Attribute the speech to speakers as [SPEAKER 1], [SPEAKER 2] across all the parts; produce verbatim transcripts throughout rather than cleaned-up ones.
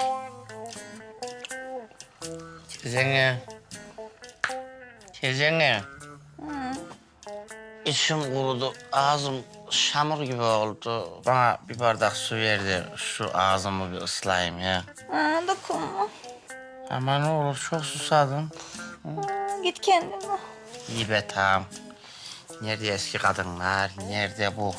[SPEAKER 1] Teyzene. Teyzene. İçim kurudu, ağzım şamur gibi oldu. Bana bir bardak su ver de şu ağzımı bir ıslayayım ya.
[SPEAKER 2] Ha, dokunma.
[SPEAKER 1] Ama ne olur, çok susadım.
[SPEAKER 2] Ha, git kendine.
[SPEAKER 1] İyi be, tamam. Nerede eski kadınlar, nerede bu?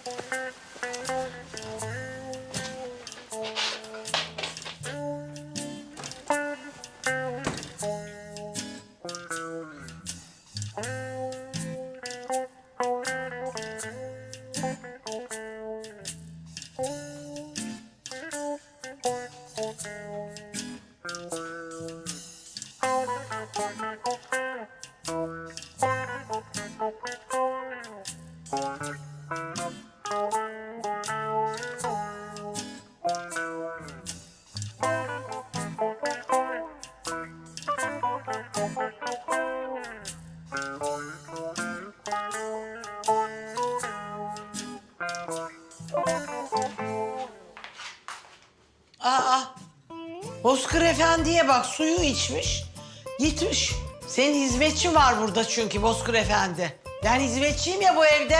[SPEAKER 3] Aa, Bozkır Efendi'ye bak, suyu içmiş, gitmiş. Senin hizmetçin var burada çünkü Bozkır Efendi. Ben hizmetçiyim ya bu evde.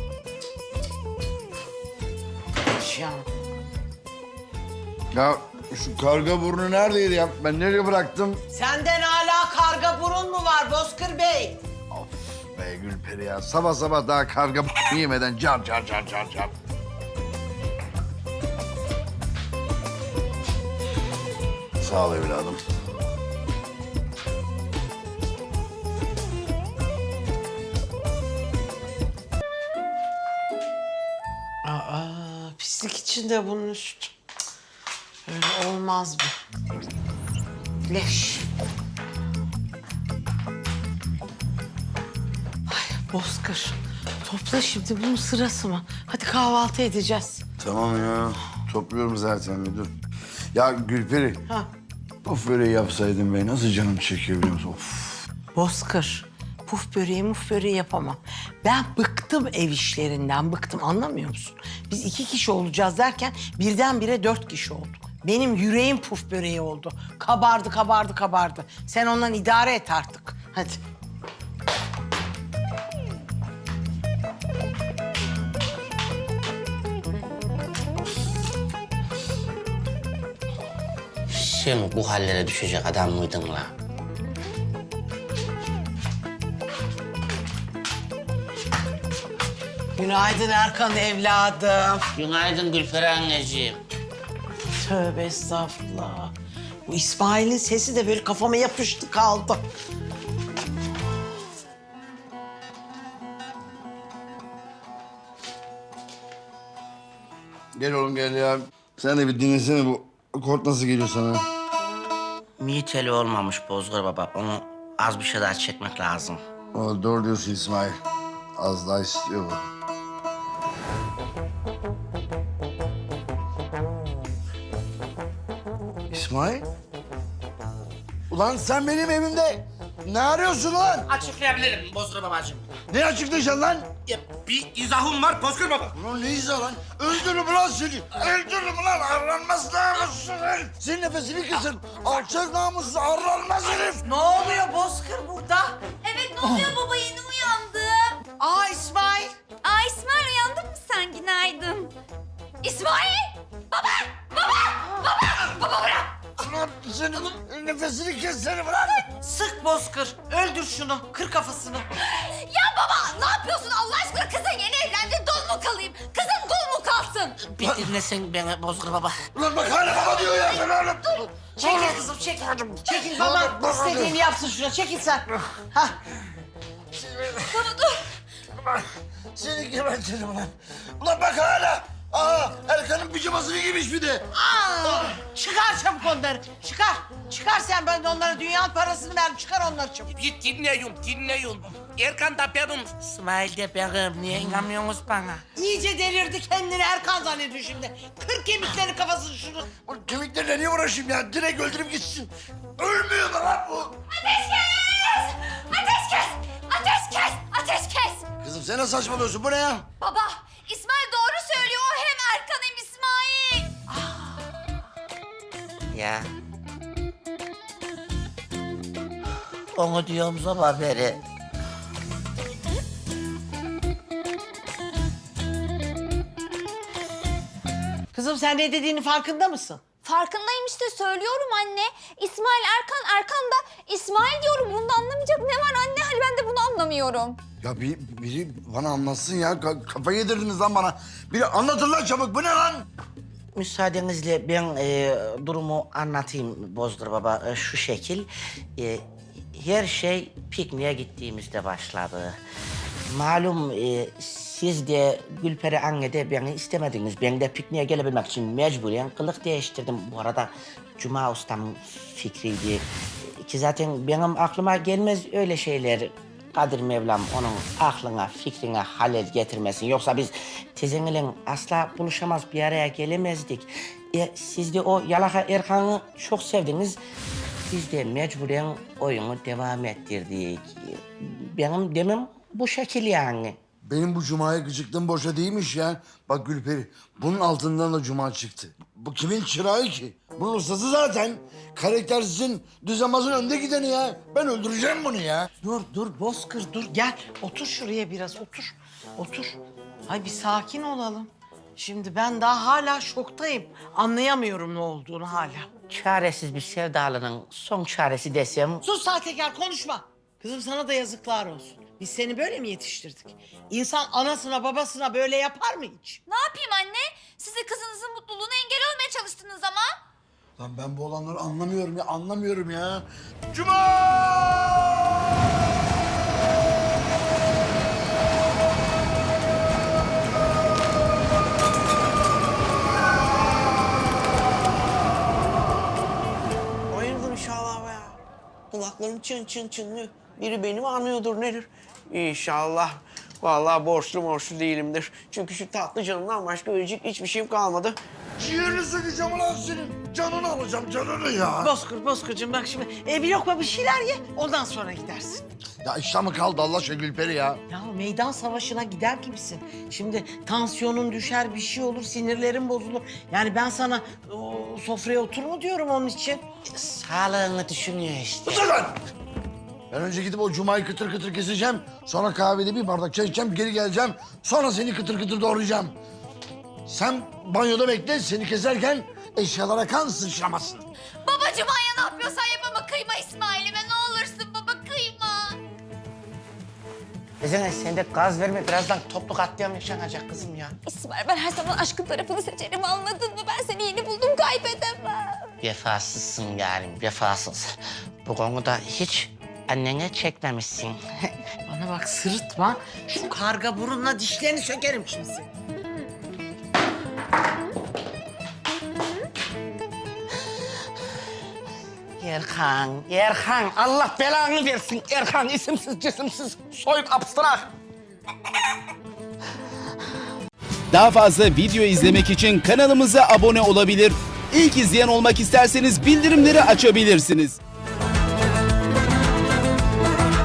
[SPEAKER 3] Ya.
[SPEAKER 4] Ya şu karga burnu neredeydi ya? Ben nereye bıraktım?
[SPEAKER 3] Senden hala karga burun mu var Bozkır Bey?
[SPEAKER 4] Of be Gülperi ya. Sabah sabah daha karga burnu yemeden car car car car car. Sağ ol evladım.
[SPEAKER 3] Aa, pislik içinde bunun üstü. Cık, öyle olmaz bu. Leş. Ay Bozkır, topla şimdi, bunun sırası mı? Hadi kahvaltı edeceğiz.
[SPEAKER 4] Tamam ya. Topluyorum zaten müdür. Ya Gülperi.
[SPEAKER 3] Ha.
[SPEAKER 4] Of böreği yapsaydın be. Nasıl canım çekiyor biliyor musun? Of.
[SPEAKER 3] Bozkır, puf böreği muf böreği yapamam. Ben bıktım ev işlerinden, bıktım, anlamıyor musun? Biz iki kişi olacağız derken birdenbire dört kişi olduk. Benim yüreğim puf böreği oldu. Kabardı, kabardı, kabardı. Sen ondan idare et artık. Hadi.
[SPEAKER 1] Sen bu hallere düşecek adam mıydın la?
[SPEAKER 3] Günaydın Erkan evladım.
[SPEAKER 1] Günaydın Gülferi anneciğim.
[SPEAKER 3] Tövbe estağfurullah. Bu İsmail'in sesi de böyle kafama yapıştı kaldı.
[SPEAKER 4] Gel oğlum gel ya. Sen de bir dinlesene bu kort nasıl geliyor sana?
[SPEAKER 1] Miteli olmamış Bozgur baba. Onu az bir şey daha çekmek lazım.
[SPEAKER 4] O, doğru diyorsun İsmail. Az daha istiyor bu. İsmail? Ulan sen benim evimde ne arıyorsun lan?
[SPEAKER 1] Açıklayabilirim Bozgur babacığım.
[SPEAKER 4] Ne açıklayacaksın lan?
[SPEAKER 1] Ya, bir izahım var Bozgur baba.
[SPEAKER 4] Ulan ne izah lan? Öldürürüm lan seni. Öldürürüm lan. Arlanmaz namussuz herif. Senin nefesini kesin. Alçak namussuz arlanmaz herif.
[SPEAKER 3] Ne oluyor Bozkır burada?
[SPEAKER 2] Evet, ne oluyor baba? Yeni uyandım.
[SPEAKER 3] Aa İsmail.
[SPEAKER 2] Aa, İsmail, uyandın mı sen? Günaydın. İsmail! Baba! Baba! Baba! Baba bırak!
[SPEAKER 4] Ulan senin nefesini kes seni bırak.
[SPEAKER 3] Sık Bozkır. Öldür şunu. Kır kafasını.
[SPEAKER 2] Ya baba, ne yapıyorsun Allah aşkına? Kızın yeni evlendi, dul mu kalayım? Kızın dul mu kalsın?
[SPEAKER 1] Bir dinlesen beni Bozgur baba.
[SPEAKER 4] Ulan bak hala baba diyor ya. Ben hala...
[SPEAKER 3] Çekil kızım, çekil. Çekil baba. İstediğini yapsın şuna. Çekil sen. Hah.
[SPEAKER 2] Baba dur.
[SPEAKER 4] Seni gebertirim ulan. Ulan bak hala. Aa, Erkan'ın pijamasını giymiş bir de.
[SPEAKER 3] Aa, çıkar çabuk onları. Çıkar. Çıkar sen, ben de onlara dünyanın parasını ver. Çıkar onları çabuk.
[SPEAKER 1] Bir dinleyin, dinleyin. Erkan da benim, İsmail de benim. Niye inanmıyorsunuz bana?
[SPEAKER 3] İyice delirdi kendini, Erkan zannediyor şimdi. Kır kemiklerini kafasını şunu.
[SPEAKER 4] Ulan kemiklerle niye uğraşayım ya? Direkt öldürüp gitsin. Ölmüyor mu lan bu?
[SPEAKER 2] Ateş kes! Ateş kes! Ateş kes! Ateş kes!
[SPEAKER 4] Kızım sen ne saçmalıyorsun? Bu ne ya?
[SPEAKER 2] Baba, İsmail doğru söylüyor. O hem Erkan hem İsmail.
[SPEAKER 1] ya. Onu diyorum sabah beri.
[SPEAKER 3] Kızım sen ne dediğinin farkında mısın?
[SPEAKER 2] Farkındayım işte söylüyorum anne. İsmail Erkan, Erkan da İsmail diyorum. Bunda anlamayacak ne var anne? Hani ben de bunu anlamıyorum.
[SPEAKER 4] Ya bir, biri bana anlatsın ya. Ka- kafa yedirdiniz lan bana. Biri anlatın lan çabuk. Bu ne lan?
[SPEAKER 1] Müsaadenizle ben e, durumu anlatayım Bozdur Baba. E, şu şekil, e, her şey pikniğe gittiğimizde başladı. Malum e, siz de Gülperi anne de beni istemediniz. Ben de pikniğe gelebilmek için mecburen kılık değiştirdim. Bu arada Cuma ustamın fikriydi. Ki zaten benim aklıma gelmez öyle şeyler. Kadir Mevlam onun aklına, fikrine halel getirmesin. Yoksa biz tezenle asla buluşamaz, bir araya gelemezdik. E, siz de o yalaka Erkan'ı çok sevdiniz. Biz de mecburen oyunu devam ettirdik. Benim demem bu şekil yani.
[SPEAKER 4] Benim bu Cuma'ya gıcıklığım boşa değilmiş ya. Bak Gülperi, bunun altından da Cuma çıktı. Bu kimin çırağı ki? Bunun ustası zaten. Karaktersizin, düzenbazın önde gideni ya. Ben öldüreceğim bunu ya.
[SPEAKER 3] Dur dur Bozkır dur gel. Otur şuraya biraz otur. Otur. Ay bir sakin olalım. Şimdi ben daha hala şoktayım. Anlayamıyorum ne olduğunu hala.
[SPEAKER 1] Çaresiz bir sevdalının son çaresi desem...
[SPEAKER 3] Sus sahtekar konuşma. Kızım sana da yazıklar olsun. Biz seni böyle mi yetiştirdik? İnsan anasına babasına böyle yapar mı hiç?
[SPEAKER 2] Ne yapayım anne? Siz de kızınızın mutluluğuna engel olmaya çalıştınız ama.
[SPEAKER 4] Lan ben bu olanları anlamıyorum ya, anlamıyorum ya. Cuma!
[SPEAKER 5] Hayırdır inşallah be ya. Kulaklarım çın çın çınlıyor. Biri beni mi anlıyordur nedir? İnşallah. Vallahi borçlu borçlu değilimdir. Çünkü şu tatlı canımdan başka ölecek hiçbir şeyim kalmadı.
[SPEAKER 4] Ciğerini sıkacağım ulan senin. Canını alacağım, canını ya.
[SPEAKER 3] Bozkır Bozkır'cığım bak şimdi e, bir lokma bir şeyler ye ondan sonra gidersin.
[SPEAKER 4] Ya işte mı kaldı Allah aşkına Gülperi ya?
[SPEAKER 3] Ya meydan savaşına gider gibisin. Şimdi tansiyonun düşer bir şey olur sinirlerin bozulur. Yani ben sana o, sofraya otur mu diyorum onun için.
[SPEAKER 1] Sağlığını düşünüyor işte.
[SPEAKER 4] Dur lan! Ben önce gidip o Cuma'yı kıtır kıtır keseceğim. Sonra kahvede bir bardak çay içeceğim, geri geleceğim. Sonra seni kıtır kıtır doğrayacağım. Sen banyoda bekle, seni keserken eşyalara kan sıçramasın.
[SPEAKER 2] Babacığım Aya ne yapıyorsan yap ama kıyma İsmail'ime ne olursun baba kıyma.
[SPEAKER 1] Kızım sen de gaz verme, birazdan toplu katliam yaşanacak kızım ya.
[SPEAKER 2] İsmail ben her zaman aşkın tarafını seçerim anladın mı? Ben seni yeni buldum kaybedemem.
[SPEAKER 1] Vefasızsın yarim, vefasız. Bu konuda hiç annene çekmemişsin.
[SPEAKER 3] Bana bak sırıtma. Şu karga burunla dişlerini sökerim şimdi seni.
[SPEAKER 1] Erkan, Erkan, Allah belanı versin. Erkan isimsiz cisimsiz soyup abstrak.
[SPEAKER 6] Daha fazla video izlemek için kanalımıza abone olabilir. İlk izleyen olmak isterseniz bildirimleri açabilirsiniz.